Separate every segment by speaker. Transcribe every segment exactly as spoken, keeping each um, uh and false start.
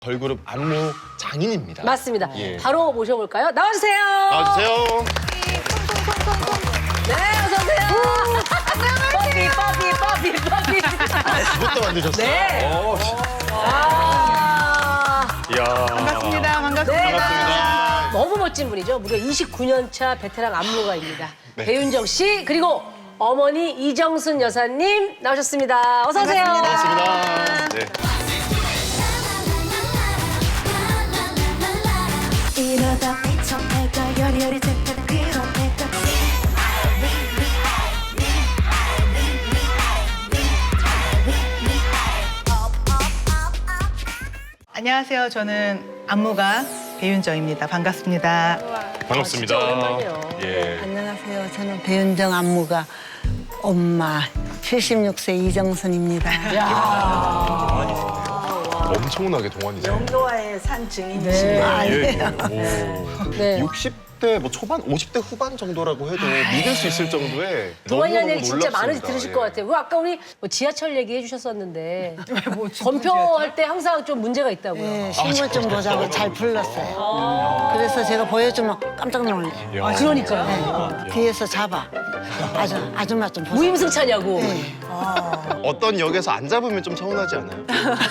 Speaker 1: 걸그룹 안무 장인입니다.
Speaker 2: 맞습니다.
Speaker 1: 예.
Speaker 2: 바로 모셔볼까요? 나와주세요.
Speaker 1: 나와주세요.
Speaker 2: 네, 어서오세요. 뽀삐, 뽀삐, 뽀삐, 뽀삐.
Speaker 1: 그것도 만드셨어요?
Speaker 2: 네.
Speaker 1: 오,
Speaker 2: 아,
Speaker 1: 이야.
Speaker 3: 반갑습니다. 반갑습니다.
Speaker 2: 네.
Speaker 1: 반갑습니다.
Speaker 2: 너무 멋진 분이죠. 무려 이십구 년 차 베테랑 안무가입니다.
Speaker 1: 네.
Speaker 2: 배윤정 씨, 그리고 어머니 이정순 여사님 나오셨습니다. 어서오세요.
Speaker 1: 반갑습니다. 네.
Speaker 4: 이러다 미쳐내가 열혈이 됐다는 그런 애가
Speaker 3: 안녕하세요. 저는 안무가 배윤정입니다. 반갑습니다.
Speaker 1: 반갑습니다.
Speaker 2: 진짜 오랜만이에요.
Speaker 1: 예.
Speaker 5: 안녕하세요. 저는 배윤정 안무가 엄마 칠십육 세 이정순입니다.
Speaker 1: 엄청나게 동안이세요.
Speaker 6: 영노화의 산 증인이십니다.
Speaker 2: 네.
Speaker 5: 아,
Speaker 1: 예,
Speaker 5: 네.
Speaker 1: 예.
Speaker 2: 네.
Speaker 1: 육십 대 뭐 초반, 오십 대 후반 정도라고 해도 믿을 수 있을 정도의
Speaker 2: 동안이라는
Speaker 1: 너무너무
Speaker 2: 얘기 진짜 많이
Speaker 1: 놀랍습니다.
Speaker 2: 들으실
Speaker 1: 예.
Speaker 2: 것 같아요. 그 아까 우리 뭐 지하철 얘기해 주셨었는데
Speaker 3: 뭐 진짜
Speaker 2: 검표할 때 항상 좀 문제가 있다고요.
Speaker 5: 네, 신문 좀 보자고 잘 불렀어요. 그래서 제가 보여주면 깜짝 놀래요.
Speaker 1: 야.
Speaker 2: 그러니까요.
Speaker 5: 네, 뒤에서 잡아. 아주 아줌마 좀 보세요.
Speaker 2: 무임승차냐고.
Speaker 5: 네.
Speaker 1: 어떤 역에서 안 잡으면 좀 서운하지 않아요?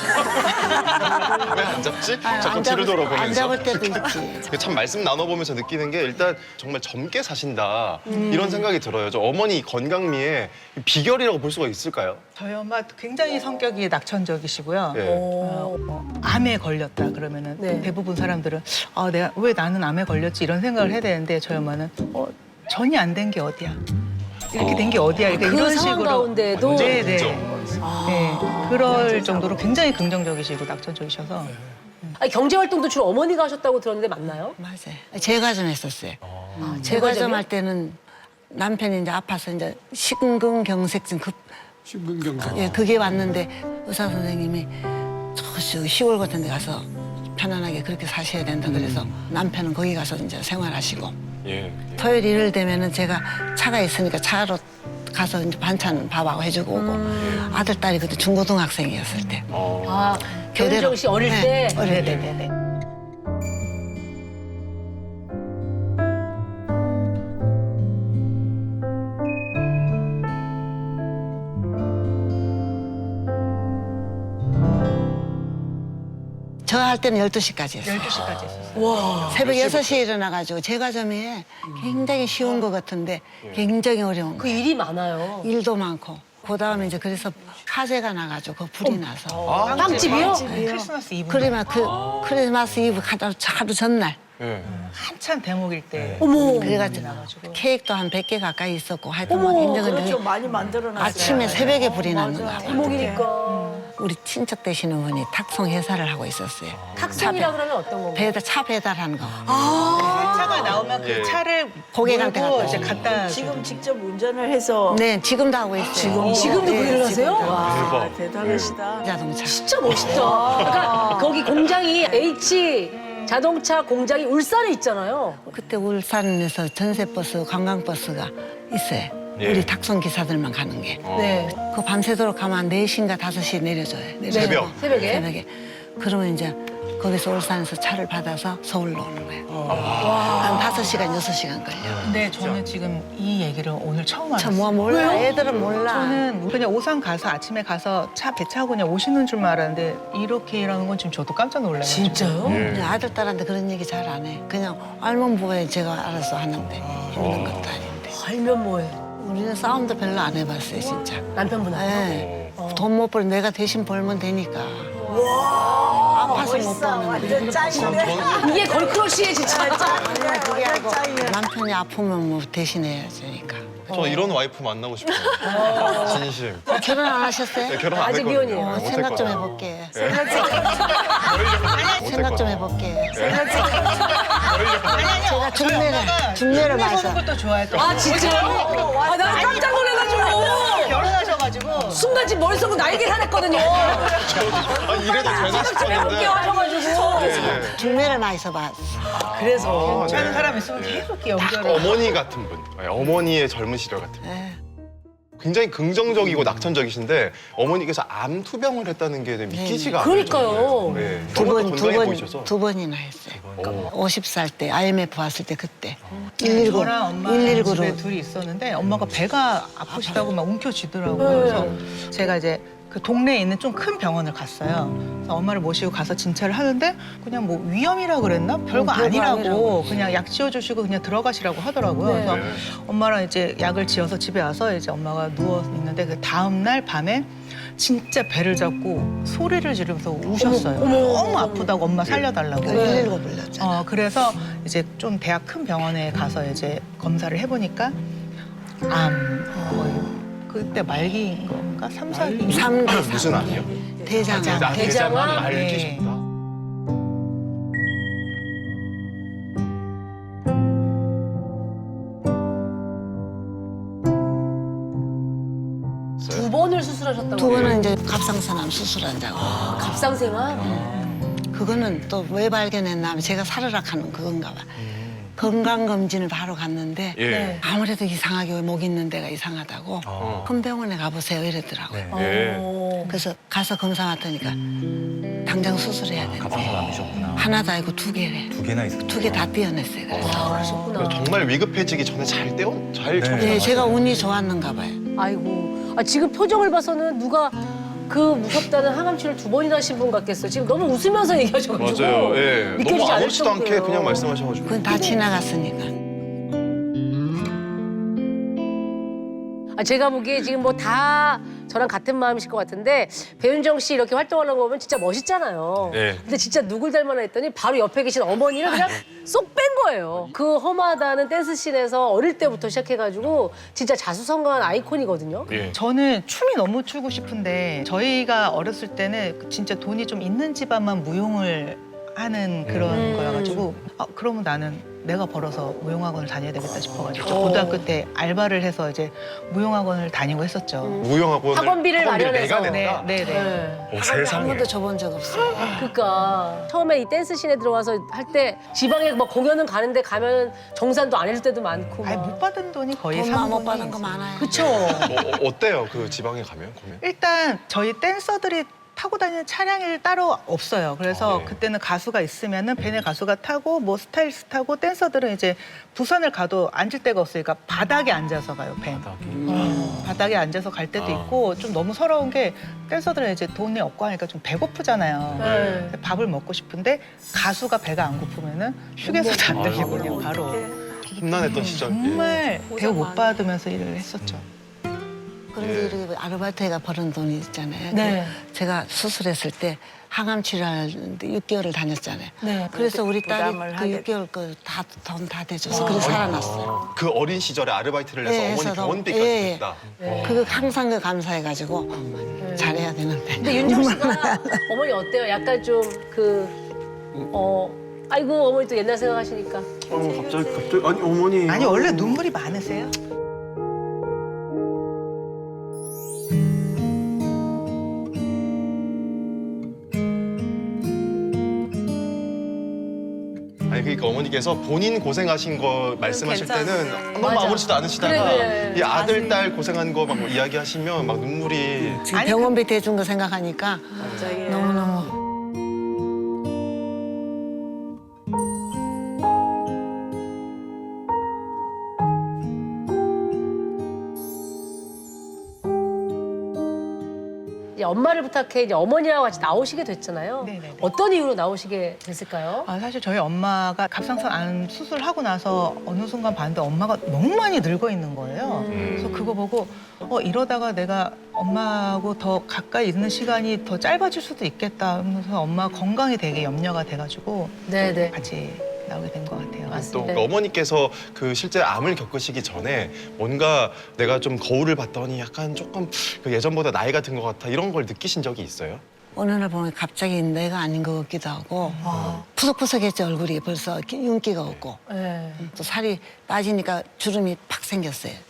Speaker 1: 왜 안 잡지? 자꾸
Speaker 5: 안
Speaker 1: 뒤를
Speaker 5: 잡을,
Speaker 1: 돌아보면서.
Speaker 5: 안 잡을 때도 있지.
Speaker 1: 참 말씀 나눠보면서 느끼는 게 일단 정말 젊게 사신다 이런 생각이 들어요. 저 어머니 건강미의 비결이라고 볼 수가 있을까요?
Speaker 3: 저희 엄마 굉장히 성격이 낙천적이시고요.
Speaker 1: 예.
Speaker 3: 어, 뭐 암에 걸렸다 그러면은
Speaker 2: 네.
Speaker 3: 대부분 사람들은 아, 내가 왜 나는 암에 걸렸지 이런 생각을 해야 되는데 저희 엄마는 어, 전이 안 된 게 어디야? 이렇게 된 게 어디야? 그러니까
Speaker 2: 그
Speaker 3: 이런
Speaker 2: 상황
Speaker 3: 식으로
Speaker 2: 가운데도
Speaker 3: 네, 네.
Speaker 1: 긍정.
Speaker 3: 네, 그럴 정도로 굉장히 긍정적이시고 낙천적이셔서
Speaker 2: 아니, 경제 활동도 주로 어머니가 하셨다고 들었는데 맞나요?
Speaker 5: 맞아요. 제가 좀 했었어요.
Speaker 2: 제과점이요?
Speaker 5: 제가 좀 할 때는 남편이 이제 아파서 이제 심근경색증 급
Speaker 7: 심근경색.
Speaker 5: 예, 그게 왔는데 의사 선생님이 저 시골 같은 데 가서 편안하게 그렇게 사셔야 된다 그래서 남편은 거기 가서 이제 생활하시고
Speaker 1: 예.
Speaker 5: 토요일 일요일 되면은 제가 차가 있으니까 차로 가서 이제 반찬 밥하고 해주고 오고 아들 딸이 그때 중고등학생이었을 때
Speaker 1: 어.
Speaker 2: 아, 배윤정 씨 어릴
Speaker 5: 네,
Speaker 2: 때.
Speaker 5: 어릴 때
Speaker 3: 네네네.
Speaker 5: 저 할 때는 열두 시까지 했어요.
Speaker 3: 열두 시까지 했었어요.
Speaker 5: 새벽 여섯 시에 일어나가지고 제과점이 굉장히 쉬운 것 같은데 굉장히 어려운
Speaker 2: 그
Speaker 5: 거예요.
Speaker 2: 일이 많아요.
Speaker 5: 일도 많고 그다음에 이제 그래서 화재가 나가지고 그 불이 나서
Speaker 2: 빵집이요?
Speaker 3: 크리스마스 이브
Speaker 5: 그러면 그 크리스마스 이브 하루, 하루 전날
Speaker 1: 예.
Speaker 3: 한참 대목일 때
Speaker 2: 어머.
Speaker 5: 그래가지고 케이크도 한 백 개 가까이 있었고 하여튼 막 굉장히
Speaker 6: 그렇죠. 많이 만들어놨어요.
Speaker 5: 아침에 새벽에 불이 났는 거야.
Speaker 2: 대목이니까.
Speaker 5: 우리 친척 되시는 분이 탁송 회사를 하고 있었어요.
Speaker 2: 탁송이라 그러면 어떤 건가요?
Speaker 5: 배에다 차 배달하는 거.
Speaker 3: 차가 나오면 그
Speaker 1: 예.
Speaker 3: 차를
Speaker 5: 고객한테
Speaker 3: 몰고
Speaker 5: 갖다
Speaker 3: 이제 갖다
Speaker 6: 지금 직접 운전을 해서
Speaker 5: 네, 지금도 하고 있어요. 지금
Speaker 2: 지금도 그 일을 하세요?
Speaker 6: 와
Speaker 1: 대박.
Speaker 6: 대단하시다.
Speaker 5: 자동차.
Speaker 2: 진짜 멋있다. 그러니까 거기 공장이 H 자동차 공장이 울산에 있잖아요.
Speaker 5: 그때 울산에서 전세버스, 관광버스가 있어요.
Speaker 1: 예.
Speaker 5: 우리 탁송 기사들만 가는 게.
Speaker 2: 네.
Speaker 5: 그 밤새도록 가면 네 시인가 다섯 시에 내려줘요. 내려줘요.
Speaker 1: 새벽?
Speaker 2: 새벽에?
Speaker 5: 새벽에. 그러면 이제 거기서 울산에서 차를 받아서 서울로 오는 거예요. 한 다섯 시간, 여섯 시간 걸려요.
Speaker 3: 근데 저는 지금 이 얘기를 오늘 처음 알았어요.
Speaker 5: 참, 뭐 몰라. 애들은 몰라.
Speaker 3: 저는 그냥 오산 가서 아침에 가서 차 배 타고 그냥 오시는 줄만 알았는데 이렇게 일하는 건 지금 저도 깜짝 놀라요.
Speaker 2: 진짜요?
Speaker 1: 예.
Speaker 5: 그냥 아들, 딸한테 그런 얘기 잘 안 해. 그냥 알면 뭐해. 제가 알아서 하는데 힘든 것도 아닌데.
Speaker 2: 알면 뭐해.
Speaker 5: 우리는 싸움도 별로 안 해봤어요, 진짜.
Speaker 2: 남편분하고.
Speaker 5: 네. 돈 못 벌 내가 대신 벌면 되니까. 아파서 못
Speaker 6: 멋있어.
Speaker 5: 버는데.
Speaker 6: 완전 짱이네.
Speaker 2: 이게 걸크러쉬에 진짜.
Speaker 5: 그게 아니고
Speaker 6: 짱이야.
Speaker 5: 남편이 아프면 뭐 대신해야 되니까.
Speaker 1: 저 이런 와이프 만나고 싶어요. 진심.
Speaker 5: 어, 결혼 안 하셨어요?
Speaker 1: 네, 결혼 안
Speaker 2: 아직
Speaker 1: 했거든요.
Speaker 2: 미혼이에요.
Speaker 5: 어,
Speaker 1: 못
Speaker 5: 생각 좀
Speaker 1: 했거든요.
Speaker 5: 해볼게.
Speaker 1: 예.
Speaker 5: 생각 좀 해볼게. 제가
Speaker 3: 저희
Speaker 5: 중매를,
Speaker 3: 엄마가
Speaker 5: 중매를
Speaker 3: 흉내
Speaker 5: 봐서.
Speaker 3: 보는 것도 좋아했던
Speaker 2: 아, 진짜요? 아, 나 깜짝 놀래가지고.
Speaker 3: 결혼하셔가지고
Speaker 2: 순간 지금 머릿속으로 날개 사냈거든요.
Speaker 1: 아, 이래도 되나
Speaker 2: 생각 좀 해볼게요
Speaker 1: 싶었는데.
Speaker 2: 하셔가지고.
Speaker 1: 예, 예.
Speaker 5: 중매를 많이 써봐.
Speaker 2: 그래서.
Speaker 3: 괜찮은
Speaker 1: 네.
Speaker 3: 사람 있으면 계속 이렇게
Speaker 1: 딱
Speaker 3: 연결을
Speaker 1: 어머니 같은 분. 네, 어머니의 젊은 시절 같은 분.
Speaker 5: 예.
Speaker 1: 굉장히 긍정적이고 낙천적이신데 어머니께서 암 투병을 했다는 게 믿기지가 않아요.
Speaker 2: 그러니까요.
Speaker 1: 정말. 네.
Speaker 5: 두
Speaker 1: 너무
Speaker 5: 번, 두
Speaker 1: 건강해
Speaker 5: 번,
Speaker 1: 보이셔서.
Speaker 5: 두 번이나 했어요.
Speaker 1: 오.
Speaker 5: 오십 살 때 아이엠에프 왔을 때 그때 일일구,
Speaker 3: 저랑 엄마
Speaker 5: 일일구로
Speaker 3: 집에 둘이 있었는데 엄마가 배가 아프시다고 막 움켜쥐더라고요. 그래서 제가 이제 그 동네에 있는 좀 큰 병원을 갔어요. 그래서 엄마를 모시고 가서 진찰을 하는데 그냥 뭐 위염이라 그랬나? 별거
Speaker 5: 음, 별거
Speaker 3: 아니라고
Speaker 5: 아니라고.
Speaker 3: 그냥 약 지어주시고 그냥 들어가시라고 하더라고요.
Speaker 2: 네.
Speaker 3: 그래서
Speaker 1: 네.
Speaker 3: 엄마랑 이제 약을 지어서 집에 와서 이제 엄마가 누워 있는데 그 다음 날 밤에 진짜 배를 잡고 소리를 지르면서 우셨어요. 너무 아프다고 엄마 살려달라고.
Speaker 5: 일일구 불렀잖아.
Speaker 3: 어, 그래서 이제 좀 대학 큰 병원에 가서 이제 검사를 해보니까 암 거의 그때 말기인 건가? 삼, 사기?
Speaker 5: 삼 대 삼.
Speaker 1: 무슨 암이요?
Speaker 5: 대장암.
Speaker 1: 아,
Speaker 2: 대장암?
Speaker 1: 대장암 알기
Speaker 3: 네.
Speaker 1: 쉽다.
Speaker 2: 두 번을 수술하셨다고.
Speaker 5: 두 번은 이제 갑상선암 수술한다고.
Speaker 2: 갑상생활.
Speaker 5: 그거는 또 왜 발견했나 하면 제가 살으락 하는 그건가 봐. 건강검진을 바로 갔는데
Speaker 1: 예.
Speaker 5: 아무래도 이상하게 왜 목 있는 데가 이상하다고
Speaker 1: 어.
Speaker 5: 큰 병원에 가보세요 이러더라고요.
Speaker 1: 예.
Speaker 2: 어.
Speaker 5: 그래서 가서 검사 받으니까 당장 수술해야 된대.
Speaker 7: 갑상선암이셨구나.
Speaker 5: 하나도 아니고 두 개래.
Speaker 7: 두 개나 있었
Speaker 5: 두 개 다 떼어냈어요. 그래서.
Speaker 2: 아, 그러셨구나.
Speaker 1: 정말 위급해지기 전에 잘 떼어 잘
Speaker 7: 네.
Speaker 1: 처리가
Speaker 5: 네, 제가
Speaker 1: 맞아요.
Speaker 5: 운이 좋았는가 봐요.
Speaker 2: 아이고. 아, 지금 표정을 봐서는 누가 그 무섭다는 항암치를 두 번이나 하신 분 같겠어요. 지금 너무 웃으면서 얘기하셔가지고.
Speaker 1: 맞아요. 예. 너무
Speaker 2: 믿겨지지 않을
Speaker 1: 아무렇지도 않게
Speaker 2: 정도예요.
Speaker 1: 그냥 말씀하셔가지고.
Speaker 5: 그건 다 지나갔으니까.
Speaker 2: 아, 제가 보기에 지금 뭐 다 저랑 같은 마음이실 것 같은데 배윤정 씨 이렇게 활동하는 거 보면 진짜 멋있잖아요.
Speaker 1: 네.
Speaker 2: 근데 진짜 누굴 닮았나 했더니 바로 옆에 계신 어머니를 그냥 쏙 뺀 거예요. 그 험하다는 댄스씬에서 어릴 때부터 시작해가지고 진짜 자수성가한 아이콘이거든요.
Speaker 1: 예.
Speaker 3: 저는 춤이 너무 추고 싶은데 저희가 어렸을 때는 진짜 돈이 좀 있는 집안만 무용을 하는 그런
Speaker 2: 음.
Speaker 3: 거여가지고 아, 그러면 나는 내가 벌어서 무용학원을 다녀야 되겠다 싶어가지고 저 고등학교 때 알바를 해서 이제 무용학원을 다니고 했었죠.
Speaker 1: 무용학원
Speaker 2: 학원비를 마련해서.
Speaker 1: 내가 냈다.
Speaker 3: 네, 네, 네.
Speaker 2: 네.
Speaker 7: 오,
Speaker 5: 한
Speaker 7: 세상에.
Speaker 5: 번도 줘본 적 없어요.
Speaker 2: 그러니까 처음에 이 댄스씬에 들어와서 할 때 지방에 뭐 공연은 가는데 가면 정산도 안 해줄 때도 많고.
Speaker 3: 아니
Speaker 2: 막.
Speaker 3: 못 받은 돈이 거의
Speaker 5: 돈
Speaker 3: 삼
Speaker 5: 못 받은 거 많아요.
Speaker 2: 그쵸.
Speaker 1: 어, 어, 어때요? 그 지방에 가면? 보면?
Speaker 3: 일단 저희 댄서들이 타고 다니는 차량이 따로 없어요. 그래서
Speaker 1: 아, 네.
Speaker 3: 그때는 가수가 있으면은 밴에 가수가 타고 뭐 스타일리스트 타고 댄서들은 이제 부산을 가도 앉을 데가 없으니까 바닥에 앉아서 가요, 밴. 음, 바닥에 앉아서 갈 때도
Speaker 1: 아.
Speaker 3: 있고 좀 너무 서러운 게 댄서들은 이제 돈이 없고 하니까 좀 배고프잖아요.
Speaker 2: 네.
Speaker 3: 근데 밥을 먹고 싶은데 가수가 배가 안 고프면은 휴게소도 안 들리고 그냥 바로
Speaker 1: 험난했던 시절. 예.
Speaker 3: 정말 대우 못 받으면서 일을 했었죠.
Speaker 5: 그런데 이렇게 아르바이트가 버는 돈이 있잖아요.
Speaker 2: 네.
Speaker 5: 그 제가 수술했을 때 항암 치료하는데 육 개월을 다녔잖아요.
Speaker 2: 네.
Speaker 5: 그래서 우리 딸이
Speaker 6: 부담을
Speaker 5: 그
Speaker 6: 하게
Speaker 5: 육 개월 거 다 돈 다 대줘서 그래서 살아났어요.
Speaker 1: 그 어린 시절에 아르바이트를 해서
Speaker 5: 예,
Speaker 1: 어머니
Speaker 5: 해서
Speaker 1: 병원비까지
Speaker 5: 예, 예.
Speaker 1: 냈다.
Speaker 5: 그거 항상 그 감사해가지고 잘해야 되는데.
Speaker 2: 근데 윤정 씨가 어머니 어때요? 약간 좀 그 어. 아이고 어머니 또 옛날 생각하시니까.
Speaker 1: 어, 갑자기 갑자기 아니 어머니.
Speaker 3: 아니 원래 눈물이 많으세요?
Speaker 1: 아니 그러니까 어머니께서 본인 고생하신 거 말씀하실 때는 너무
Speaker 2: 맞아.
Speaker 1: 아무렇지도 않으시다가
Speaker 2: 그래, 그래.
Speaker 1: 이 아들 딸 고생한 거 막 이야기하시면 막 눈물이.
Speaker 5: 지금
Speaker 3: 아니,
Speaker 5: 병원비 대준 거 생각하니까
Speaker 6: 갑자기
Speaker 5: 너무너무.
Speaker 2: 이제 엄마를 부탁해 이제 어머니랑 같이 나오시게 됐잖아요.
Speaker 3: 네네네.
Speaker 2: 어떤 이유로 나오시게 됐을까요?
Speaker 3: 아, 사실 저희 엄마가 갑상선 암 수술하고 나서 어느 순간 봤는데 엄마가 너무 많이 늙어 있는 거예요. 그래서 그거 보고 어, 이러다가 내가 엄마하고 더 가까이 있는 시간이 더 짧아질 수도 있겠다 하면서 엄마 건강이 되게 염려가 돼가지고
Speaker 2: 네네.
Speaker 3: 같이 나오게 된 것 같아요.
Speaker 1: 또
Speaker 2: 네.
Speaker 1: 그 어머니께서 그 실제 암을 겪으시기 전에 뭔가 내가 좀 거울을 봤더니 약간 조금 그 예전보다 나이가 든 것 같아 이런 걸 느끼신 적이 있어요?
Speaker 5: 어느 날 보면 갑자기 내가 아닌 것 같기도 하고 푸석푸석했죠 얼굴이 벌써 윤기가 없고
Speaker 2: 네.
Speaker 5: 또 살이 빠지니까 주름이 팍 생겼어요.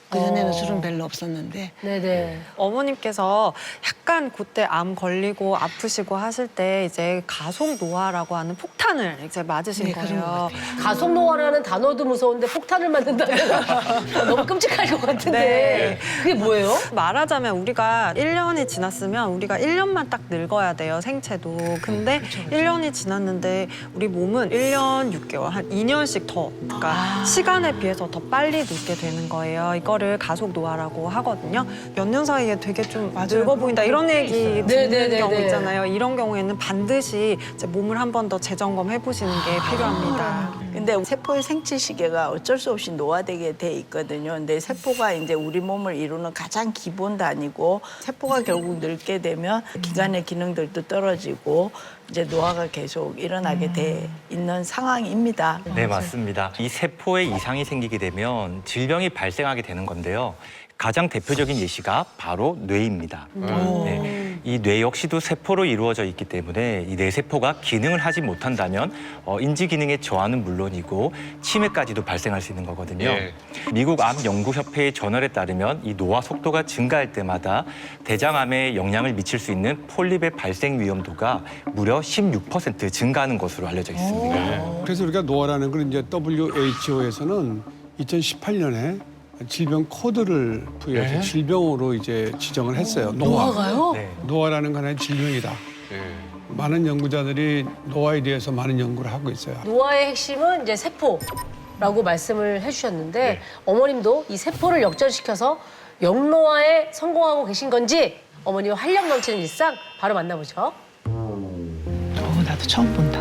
Speaker 5: 그전에는
Speaker 2: 어.
Speaker 5: 술은 별로 없었는데
Speaker 2: 네네.
Speaker 7: 어머님께서 약간 그때 암 걸리고 아프시고 하실 때 이제 가속 노화라고 하는 폭탄을 이제 맞으신
Speaker 5: 네, 그런 것
Speaker 7: 거예요.
Speaker 5: 같아요.
Speaker 2: 가속 노화라는 단어도 무서운데 폭탄을 맞는다면 너무 끔찍할 것 같은데.
Speaker 7: 네.
Speaker 2: 그게 뭐예요?
Speaker 7: 말하자면 우리가 일 년이 지났으면 우리가 일 년만 딱 늙어야 돼요, 생체도. 근데 일 년이 지났는데 우리 몸은 일 년 육 개월, 한 이 년씩 더, 그러니까 시간에 비해서 더 빨리 늙게 되는 거예요. 이거를 가속 노화라고 하거든요. 몇 년 사이에 되게 좀 늙어 보인다 이런 얘기 듣는
Speaker 2: 네네네네.
Speaker 7: 경우 있잖아요. 이런 경우에는 반드시 이제 몸을 한 번 더 재점검해 보시는 게 필요합니다.
Speaker 6: 근데 세포의 생체 시계가 어쩔 수 없이 노화되게 돼 있거든요. 근데 세포가 이제 우리 몸을 이루는 가장 기본 단위고 세포가 결국 늙게 되면 기관의 기능들도 떨어지고 이제 노화가 계속 일어나게 돼 있는 상황입니다.
Speaker 8: 네, 맞습니다. 이 세포에 이상이 생기게 되면 질병이 발생하게 되는 건데요. 가장 대표적인 예시가 바로 뇌입니다. 네, 이 뇌 역시도 세포로 이루어져 있기 때문에 이 뇌세포가 기능을 하지 못한다면 어, 인지 기능의 저하는 물론이고 치매까지도 발생할 수 있는 거거든요.
Speaker 1: 예.
Speaker 8: 미국 암 연구협회의 저널에 따르면 이 노화 속도가 증가할 때마다 대장암에 영향을 미칠 수 있는 폴립의 발생 위험도가 무려 십육 퍼센트 증가하는 것으로 알려져 있습니다.
Speaker 9: 그래서 우리가 노화라는 걸 이제 더블유 에이치 오에서는 이천십팔 년에 질병 코드를 부여해서
Speaker 1: 네?
Speaker 9: 질병으로 이제 지정을 했어요. 노화.
Speaker 2: 노화가요?
Speaker 8: 네.
Speaker 9: 노화라는 건 하나의 질병이다.
Speaker 1: 예.
Speaker 9: 많은 연구자들이 노화에 대해서 많은 연구를 하고 있어요.
Speaker 2: 노화의 핵심은 이제 세포라고 말씀을 해주셨는데 어머님도 이 세포를 역전시켜서 영노화에 성공하고 계신 건지 어머니와 활력 넘치는 일상 바로 만나보죠.
Speaker 3: 어, 나도 처음 본다.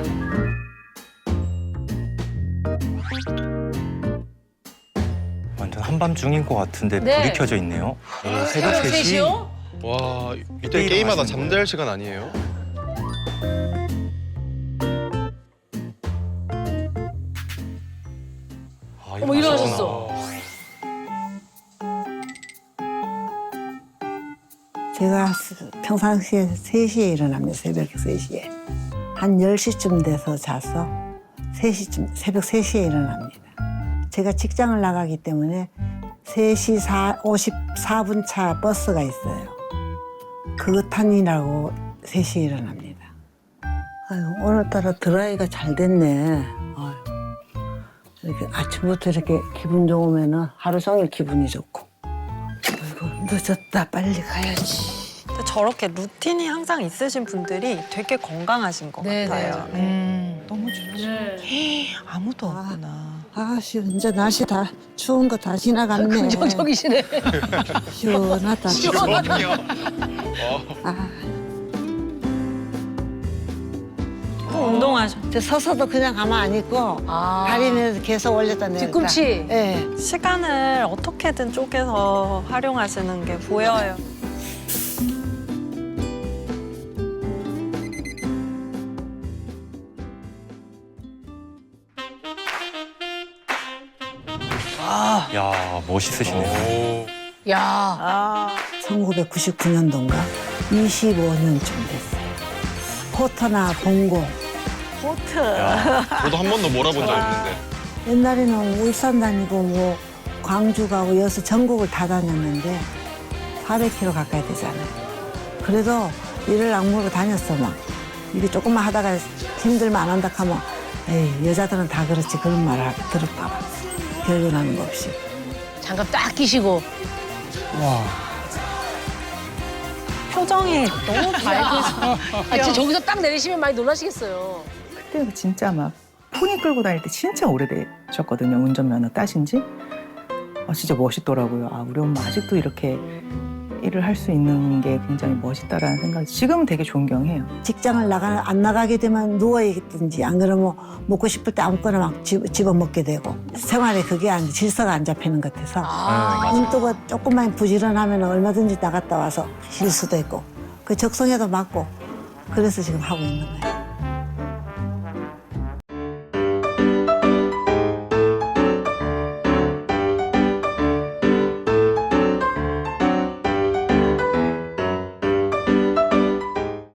Speaker 8: 완전 한밤중인 것 같은데
Speaker 2: 네.
Speaker 8: 불이 켜져 있네요. 오, 새벽 세 시.
Speaker 2: 셋이요?
Speaker 1: 와, 이때
Speaker 8: 이때
Speaker 1: 게임하다
Speaker 8: 일어나시는
Speaker 1: 잠잘 시간 아니에요?
Speaker 8: 아,
Speaker 2: 어머 일어나셨어.
Speaker 5: 제가 스- 평상시에 세 시에 일어납니다. 새벽 세 시에. 한 열 시쯤 돼서 자서 세 시쯤, 새벽 세 시에 일어납니다. 제가 직장을 나가기 때문에 세 시 오십사 분 차 버스가 있어요. 그거 탄이라고 세 시에 일어납니다. 아유, 오늘따라 드라이가 잘 됐네. 아유, 이렇게 아침부터 이렇게 기분 좋으면 하루 종일 기분이 좋고. 아이고, 늦었다. 빨리 가야지.
Speaker 7: 근데 저렇게 루틴이 항상 있으신 분들이 되게 건강하신 것
Speaker 2: 네,
Speaker 7: 같아요.
Speaker 2: 네.
Speaker 3: 음, 너무 좋지. 아무도 없구나.
Speaker 5: 아씨, 이제 날씨 다 추운 거 다 지나갔네.
Speaker 2: 긍정적이시네.
Speaker 5: 시원하다.
Speaker 1: 시원하네요.
Speaker 5: 아,
Speaker 7: 또 운동하셔.
Speaker 5: 저 서서도 그냥 가만 안 있고
Speaker 2: 아.
Speaker 5: 다리는 계속 올렸다 내렸다.
Speaker 2: 뒤꿈치.
Speaker 5: 예.
Speaker 7: 시간을 어떻게든 쪼개서 활용하시는 게 보여요.
Speaker 8: 야, 멋있으시네요.
Speaker 1: 오.
Speaker 2: 야.
Speaker 6: 아,
Speaker 5: 천구백구십구 년도인가 이십오 년쯤 됐어요. 포터나 봉고.
Speaker 6: 포트.
Speaker 1: 야, 저도 한 번도 몰아본 적 없는데.
Speaker 5: 옛날에는 울산 다니고 뭐 광주 가고 여수 전국을 다 다녔는데 사백 킬로미터 가까이 되잖아요. 그래도 일을 악물고 다녔어 막. 이게 조금만 하다가 힘들면 안 한다 하면 에이 여자들은 다 그렇지 그런 말을 들을까 봐. 결론하는 거 없이.
Speaker 2: 장갑 딱 끼시고.
Speaker 9: 와.
Speaker 7: 표정이 너무 밝으셔.
Speaker 2: 아, 진짜 저기서 딱 내리시면 많이 놀라시겠어요.
Speaker 3: 그때 진짜 막 포니 끌고 다닐 때 진짜 오래되셨거든요. 운전면허 따신 지. 아, 진짜 멋있더라고요. 아, 우리 엄마 아직도 이렇게 일을 할 수 있는 게 굉장히 멋있다라는 생각이 지금 되게 존경해요.
Speaker 5: 직장을 나가 안 나가게 되면 누워 있든지 안 그러면 먹고 싶을 때 아무거나 막 집, 집어 먹게 되고 생활에 그게 안 질서가 안 잡히는 것 같아서
Speaker 2: 아.
Speaker 5: 눈 뜨고 조금만 부지런하면 얼마든지 나갔다 와서 쉴 수도 있고 그 적성에도 맞고 그래서 지금 하고 있는 거예요.